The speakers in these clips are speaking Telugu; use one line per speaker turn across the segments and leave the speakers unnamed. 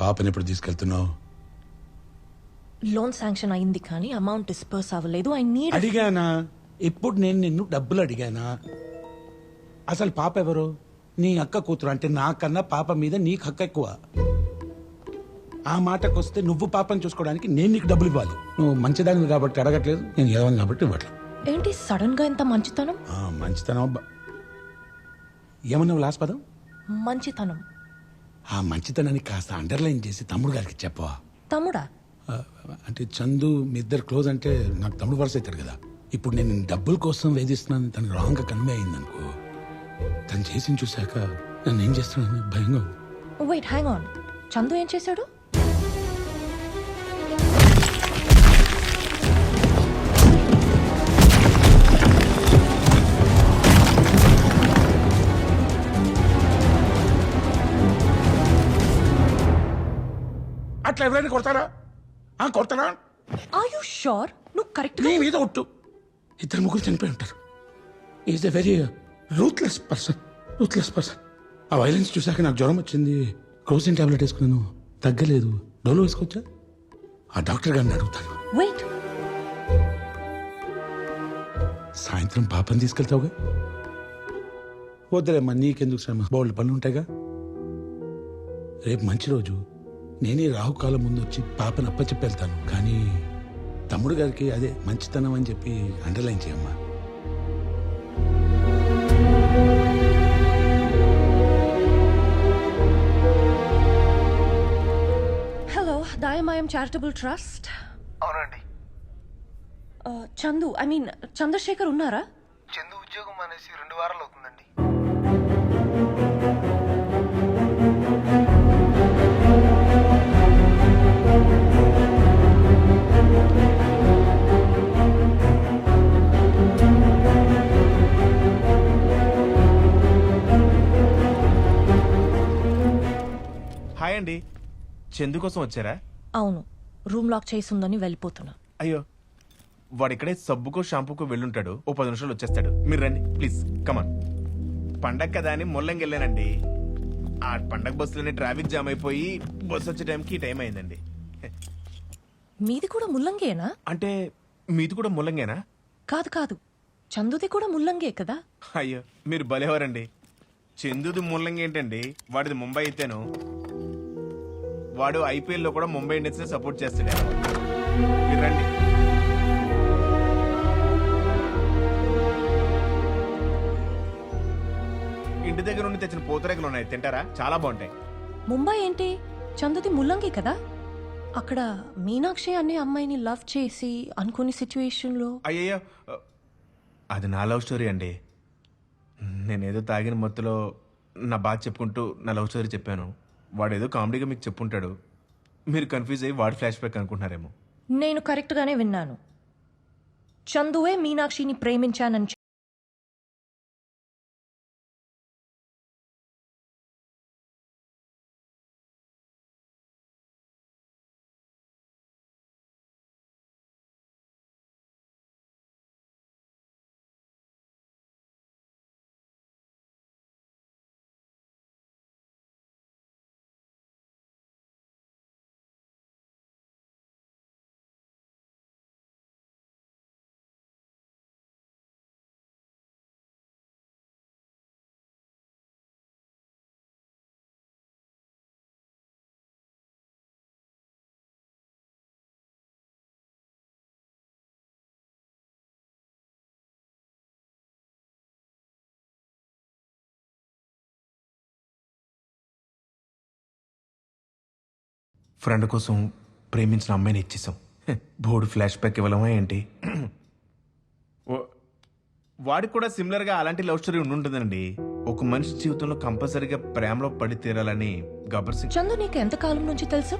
పాపని ఎప్పుడు తీసుకెళ్తున్నావు?
లోన్ శాంక్షన్ అయింది కానీ అమౌంట్ డిస్పర్స్ అవ్వలేదు. I need.
అడిగానా? ఇప్పుడు నేను నిన్ను డబ్బులు అడిగానా? అసలు పాప ఎవరు? నీ అక్క కూతురు. అంటే నాకన్నా పాప మీద నీకు హక్కు ఎక్కువ. ఆ మాటకు వస్తే నువ్వు పాపని చూసుకోవడానికి నేను నీకు డబ్బులు ఇవ్వాలి. నువ్వు మంచిదాన్ని కాబట్టి అడగట్లేదు, నేను ఎదవని కాబట్టి ఇవ్వట్లేదు.
ఏంటి సడన్ గా ఇంత మంచితనం?
మంచితనం ఏమన్నావు లాస్ట్ పదం?
మంచితనం.
ఆ మంచితనాన్ని కాస్త అండర్లైన్ చేసి తమ్ముడు గారికి చెప్పవా?
తమ్ముడా?
అంటే చందు మీ ఇద్దరు క్లోజ్ అంటే నాకు తమ్ముడు వరుస అవుతాడు కదా. ఇప్పుడు నేను డబ్బుల కోసం వేధిస్తున్నాను తను రాంగ్ గా కన్వే అయింది అనుకో, తను చేసి చూశాక నన్ను ఏం చేస్తున్నాను భయంగా.
Wait, hang on. చందు ఏం చేశాడు?
అట్లా ఎవరైనా కొడతారా? కొడతారా?
Are you sure? నువ్వు కరెక్ట్
నీ మీద ఒట్టు. ఇద్దరు ముగ్గురు చనిపోయి ఉంటారు. Is a very ruthless person. ఆ వైలెన్స్ చూసాక నాకు జ్వరం వచ్చింది. క్రోసిన్ టాబ్లెట్ వేసుకున్నాను, తగ్గలేదు. డోలో వేసుకోవచ్చా? ఆ డాక్టర్ గారిని అడుగుతాను.
వెయిట్,
సాయంత్రం పాపని తీసుకెళ్తావుగా? వద్దులేమ్మా, నీకెందుకు శ్రమ, బోల్డ్ పనులు ఉంటాయిగా. రేపు మంచి రోజు, నేనే రాహుకాలం ముందు వచ్చి పాపను అప్పచెప్పి వెళ్తాను. కానీ తమ్ముడు గారికి అదే మంచితనం అని చెప్పి అండర్లైన్ చేయమ్మా.
హలో, దాయమాయం చారిటబుల్ ట్రస్ట్.
అవునండి.
చందు, ఐ మీన్ చంద్రశేఖర్ ఉన్నారా?
చందు ఉద్యోగం అనేసి 2 వారాలు అవుతుందండి.
హాయ్ అండి, చందు కోసం వచ్చారా?
అవును, రూమ్ లాక్ చేసి ఉందని వెళ్ళిపోతున్నా.
అయ్యో, వాడు ఇక్కడే సబ్బుకో షాంపూకో వెళ్ళుంటాడు. ఓ 10 నిమిషాలు వచ్చేస్తాడు. మీరు రండి ప్లీజ్, కమాన్. పండగ కదా అని ముల్లంగి వెళ్ళానండి. ఆ పండగ బస్సులోనే ట్రాఫిక్ జామ్ అయిపోయి బస్సు వచ్చే టైంకి టైం అయిందండి.
మీది కూడా ముల్లంగేనా?
అంటే మీది కూడా ముల్లంగేనా?
కాదు కాదు, చందుది కూడా ముల్లంగే కదా.
అయ్యో, మీరు భలేవారండి. చందుది ముల్లంగి ఏంటండి, వాడిది ముంబై అయితేను. వాడు IPL లో కూడా ముంబై ఇండియన్స్ ని సపోర్ట్ చేస్తాడు. మీరు రండి. ఇంటి దగ్గర నుండి తెచ్చిన పూతరేకులు ఉన్నాయి, తింటారా? చాలా బాగుంటాయి.
ముంబై ఏంటి, చందుది ముల్లంగి కదా. అక్కడ మీనాక్షి అనే అమ్మాయిని లవ్ చేసి అనుకునే సిచ్యువేషన్ లో.
అయ్యయ్యో, అది నా లవ్ స్టోరీ అండి. నేనేదో తాగిన మొత్తులో నా బాధ చెప్పుకుంటూ నా లవ్ స్టోరీ చెప్పాను. వాడేదో కామెడీగా మీకు చెప్పుంటాడు. మీరు కన్ఫ్యూజ్ అయ్యి వాడు ఫ్లాష్ బ్యాక్ అనుకుంటున్నారేమో.
నేను కరెక్ట్ గానే విన్నాను. చందువే మీనాక్షిని ప్రేమించానని
ఫ్రెండ్ కోసం ప్రేమించిన అమ్మాయిని ఇచ్చేసాం. బోర్డు ఫ్లాష్ బ్యాక్ ఇవ్వలేమా ఏంటి? వాడికి కూడా సిమిలర్ గా అలాంటి లవ్ స్టోరీ ఉంటుందండి. ఒక మనిషి జీవితంలో కంపల్సరీగా ప్రేమలో పడి తీరాలని గబ్బర్ సింగ్.
చందు నీకు ఎంత కాలం నుంచి తెలుసు?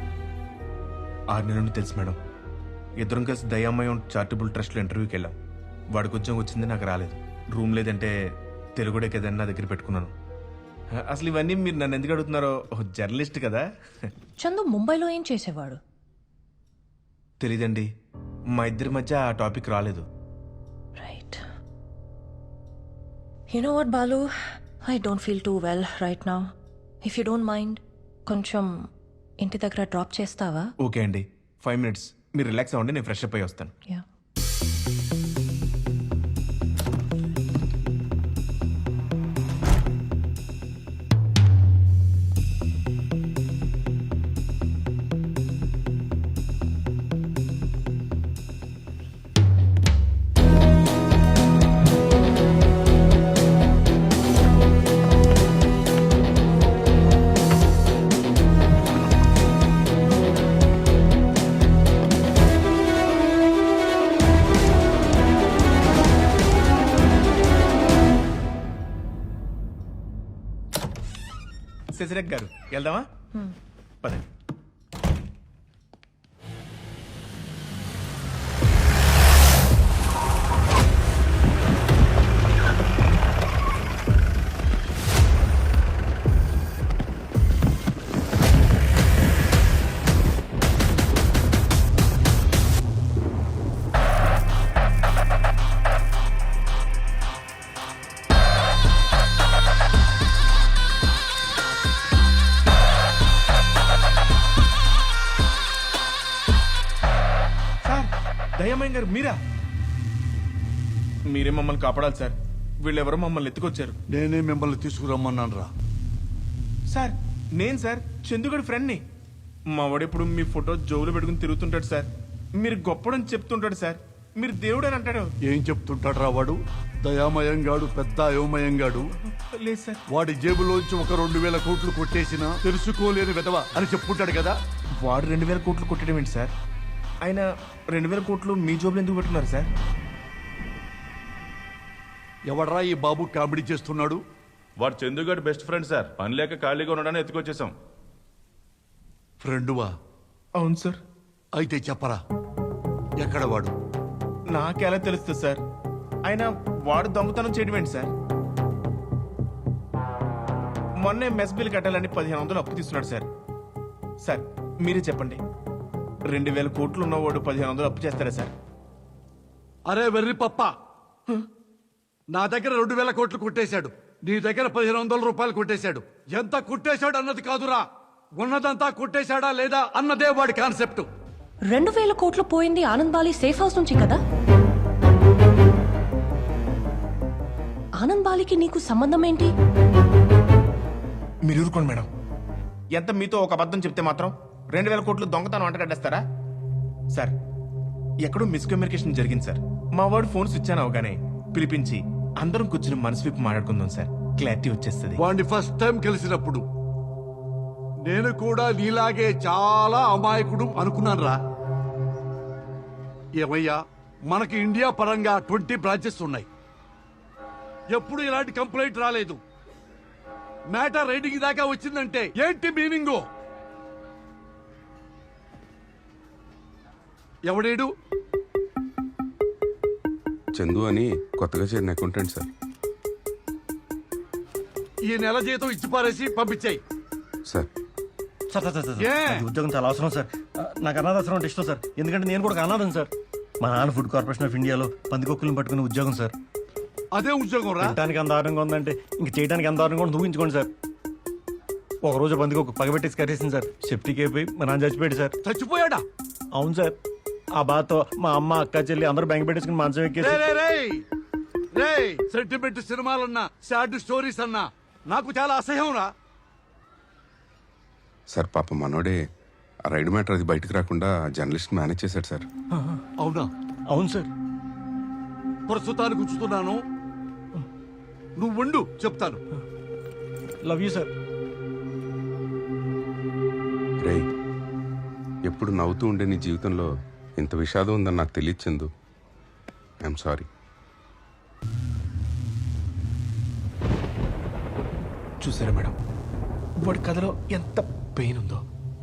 6 నెలల నుండి తెలుసు మేడం. ఇద్దరం కలిసి దయామయం చారిటబుల్ ట్రస్ట్ లో ఇంటర్వ్యూకి వెళ్ళాం. వాడికి ఉద్యోగం వచ్చింది, నాకు రాలేదు. రూమ్ లేదంటే తెలుగుడే కదని నా దగ్గర పెట్టుకున్నాను. అసలు ఇవన్నీ మీరు నన్ను ఎందుకు అడుగుతున్నారో, జర్నలిస్ట్ కదా.
చందు ముంబైలో ఏం చేసేవాడు?
తెలీదండి, మా ఇద్దరి మధ్య ఆ టాపిక్ రాలేదు.
Right. You know what Balu, I don't feel too well right now. If you don't mind, కొంచెం ఇంటి దగ్గర డ్రాప్ చేస్తావా?
ఓకే అండి, 5 minutes మీరు రిలాక్స్ అవ్వండి, నేను ఫ్రెష్ అప్ అయ్యి వస్తాను.
యా.
శశిరేఖ్ గారు వెళ్దామా? పదండి. దయ్యమయ్య గారు మీరా? మీరే మమ్మల్ని కాపాడాలి సార్. వీళ్ళెవరో మమ్మల్ని ఎత్తుకొచ్చారు.
నేనే మిమ్మల్ని తీసుకురమ్మన్నాను రా.
సార్ నేను సార్ చందుగడి ఫ్రెండ్ని. మా వాడెప్పుడు మీ ఫోటో జోబులో పెట్టుకుని తిరుగుతుంటాడు సార్. మీరు గొప్పడని చెప్తుంటాడు సార్. మీరు దేవుడు అని అంటాడు.
ఏం చెప్తుంటాడు రా వాడు? దయామయంగాడు, పెద్ద అయోమయంగాడు.
లేదు సార్.
వాడి జేబులోంచి ఒక 2000 కోట్లు కొట్టేసినా తెలుసుకోలేని విధవ అని చెప్పుకుంటాడు కదా.
వాడు 2000 కోట్లు కొట్టడం ఏంటి సార్? ఆయన 2000 కోట్లు మీ జోబులు ఎందుకు పెట్టుకున్నారు సార్?
ఎవడరా ఈ బాబు కామెడీ చేస్తున్నాడు?
వాడు చందుగాడు బెస్ట్ ఫ్రెండ్ సార్. పని లేక ఖాళీగా ఉండడానికి ఎత్తుకొచ్చేసాం.
ఫ్రెండువా?
అవును సార్.
అయితే చెప్పరా, ఎక్కడ వాడు?
నాకెలా తెలుస్తుంది సార్? ఆయన వాడు దొంగతనం చేయడం ఏంటి సార్? మొన్నే మెస్ బిల్ కట్టాలని 1500 అప్పు తీసుకున్నాడు సార్. సార్ మీరే చెప్పండి, 2000 కోట్లు ఉన్నవాడు 1500 అప్పు చేస్తారా సార్?
అరే వెర్రి పప్ప, నా దగ్గర 2000 కోట్లు కొట్టేశాడు, నీ దగ్గర 1500 రూపాయలు కొట్టేశాడు. ఎంత కొట్టేశాడు అన్నది కాదురా, ఉన్నదంతా కొట్టేశాడా లేదా అన్నదే వాడి కాన్సెప్ట్.
2000 కోట్లు పోయింది ఆనంద్ బాలి సేఫ్ హౌస్ నుంచి కదా? ఆనంద్ బాలికి నీకు సంబంధం ఏంటి?
మీరు ఊరుకోండి మేడం. ఎంత మీతో ఒక అబద్ధం చెప్తే మాత్రం 2000 కోట్లు దొంగతనం అంటగడ్డేస్తారా సార్? ఎక్కడో మిస్కమ్యూనికేషన్ జరిగింది సార్. మా వాడు ఫోన్ స్విచ్ ఆన్ అవగానే పిలిపించి అందరం కూర్చుని మనసు విప్పి మాట్లాడుకుందాం సార్. క్లారిటీ వచ్చేస్తుంది.
వాడిని ఫస్ట్ టైం కలిసినప్పుడు నేను కూడా నీలాగే చాలా అమాయకుడు అనుకున్నాను రా. ఏమయ్యా, మనకి ఇండియా పరంగా 20 బ్రాంచెస్ ఉన్నాయి. ఎప్పుడు ఇలాంటి కంప్లైంట్ రాలేదు. మ్యాటర్ రైడింగ్ దాకా వచ్చిందంటే ఏంటి మీనింగు? ఎవడేడు?
చందు అని కొత్తగా చేరిన అకౌంటెంట్ సార్.
ఈ నెల జీతం ఇచ్చి పారేసి పంపించాయి
sir.
Sir sir sir sir,
ఏ?
నాకు ఈ ఉద్యోగం చాలా అవసరం సార్. నాకు అనాథాశ్రమం అంటే ఇష్టం సార్. ఎందుకంటే నేను కూడా ఒక అనాథం సార్. మా నాన్న ఫుడ్ కార్పొరేషన్ ఆఫ్ ఇండియాలో పందికొక్కులను పట్టుకునే ఉద్యోగం సార్.
అదే ఉద్యోగం రా.
తినడానికి ఎంత దారుణంగా ఉందంటే ఇంక చేయడానికి ఎంత దారుణంగా ఉందో ఊహించుకోండి సార్. ఒక రోజు పందికొక్కు పగబెట్టేసి కట్టేసింది సార్. సెఫ్టీకి అయిపోయి మా నాన్న చచ్చిపోయాడు సార్.
చచ్చిపోయాడా?
అవును సార్. ఆ బాధతో మా అమ్మ, అక్క, చెల్లి అందరూ బ్యాంక్ పెట్టేసుకుని మంచం ఎక్కేసి
సెంటిమెంట్ సినిమాలన్నా, సాడ్ స్టోరీస్ అన్నా నాకు చాలా అసహ్యం రా.
సార్ పాప మనోడే ఆ రైడ్ మ్యాటర్ అది బయటకు రాకుండా జర్నలిస్ట్ మేనేజ్ చేశాడు సార్.
అవునా?
అవును సార్.
ప్రస్తుతానికి ఉంచుతున్నాను, నువ్వు ఉండు, చెప్తాను.
Love you sir.
రేయ్, ఎప్పుడు నవ్వుతూ ఉండే నీ జీవితంలో ఇంత విషాదం ఉందని నాకు తెలియదు చందు. I'm sorry.
చూసారా మేడం, వాడి కథలో ఎంత పెయిన్ ఉందో.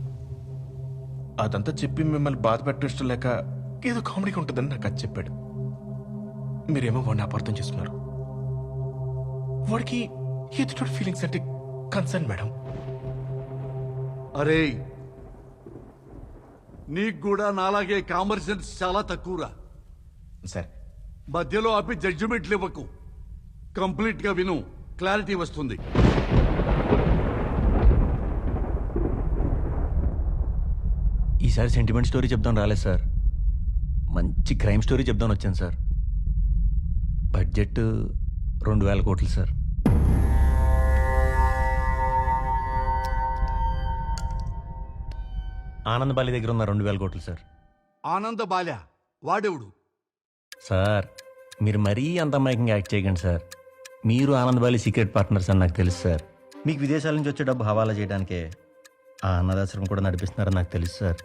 అదంతా చెప్పి మిమ్మల్ని బాధ పెట్టడం లేక ఏదో కామెడీగా ఉంటుందని నాకు అది చెప్పాడు. మీరేమో వాడిని అపార్థం చేస్తున్నారు. వాడికి ఎదుటి ఫీలింగ్స్ అంటే కన్సర్న్ మేడం.
అరే, నీకు కూడా నాలాగే కామన్ సెన్స్ చాలా తక్కువరా.
సార్
మధ్యలో ఆపి జడ్జిమెంట్లు ఇవ్వకు, కంప్లీట్ గా విను, క్లారిటీ వస్తుంది.
ఈసారి సెంటిమెంట్ స్టోరీ చెప్దాం రాలేదు సార్, మంచి క్రైమ్ స్టోరీ చెప్దాం వచ్చాను సార్. బడ్జెట్ 2,000 కోట్లు సార్. ఆనంద్ బాలి దగ్గర ఉన్న 2,000 కోట్లు సార్.
ఆనంద బాల్య వాడెవడు?
సార్ మీరు మరీ అంత అమాయకంగా యాక్ట్ చేయకండి సార్. మీరు ఆనంద్ బాలి సీక్రెట్ పార్ట్నర్స్ అని నాకు తెలుసు సార్. మీకు విదేశాల నుంచి వచ్చే డబ్బు హవాలా చేయడానికే ఆ అన్నదాశ్రమం కూడా నడిపిస్తున్నారని నాకు తెలుసు సార్.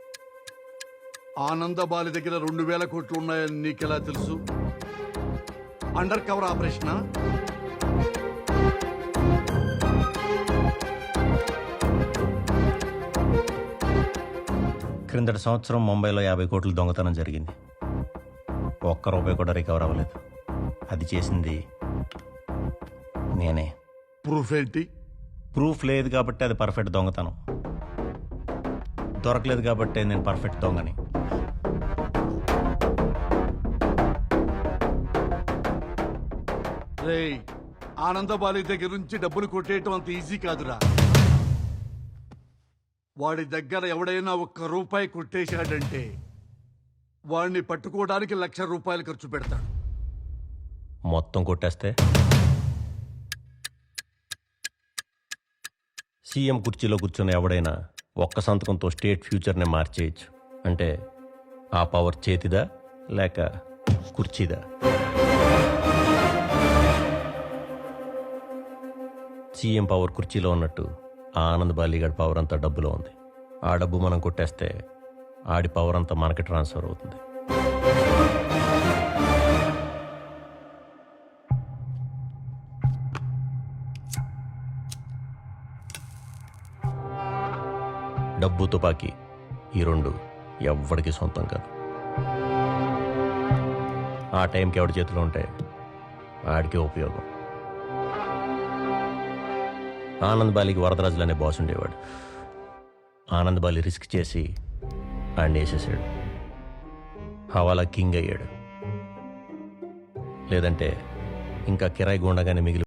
ఆనంద బాలి దగ్గర 2,000 కోట్లు ఉన్నాయని నీకెలా తెలుసు? అండర్ కవర్ ఆపరేషనా?
క్రిందటి సంవత్సరం ముంబైలో 50 కోట్లు దొంగతనం జరిగింది. ఒక్క రూపాయి కూడా రికవర్ అవ్వలేదు. అది చేసింది నేనే.
ప్రూఫ్ ఏంటి?
ప్రూఫ్ లేదు కాబట్టి అది పర్ఫెక్ట్ దొంగతనం, దొరకలేదు కాబట్టి నేను పర్ఫెక్ట్ దొంగని.
రేయ్, ఆనంద బాలి దగ్గర నుంచి డబ్బులు కొట్టేయటం అంత ఈజీ కాదురా. వాడి దగ్గర ఎవడైనా 1 రూపాయి కొట్టేశాడంటే వాడిని పట్టుకోవడానికి 1,00,000 రూపాయలు ఖర్చు పెడతాడు.
మొత్తం కొట్టేస్తే సీఎం కుర్చీలో కూర్చున్న ఎవడైనా ఒక్క సంతకంతో స్టేట్ ఫ్యూచర్ని మార్చేయచ్చు. అంటే ఆ పవర్ చేతిదా లేక కుర్చీదా? సీఎం పవర్ కుర్చీలో ఉన్నట్టు ఆ ఆనంద్ బాలిగాడి పవర్ అంతా డబ్బులో ఉంది. ఆ డబ్బు మనం కొట్టేస్తే ఆడి పవర్ అంతా మనకి ట్రాన్స్ఫర్ అవుతుంది. డబ్బు తుపాకీ ఈ 2 ఎవ్వడికి సొంతం కాదు. ఆ టైంకి ఎవడి చేతిలో ఉంటే ఆడికే ఉపయోగం. ఆనంద్ బాలికి వరదరాజులు అనే బాస్ ఉండేవాడు. ఆనంద్ బాలి రిస్క్ చేసి ఆడిని వేసేసాడు. హవాలా కింగ్ అయ్యాడు. లేదంటే ఇంకా కిరాయి గుండగానే మిగిలి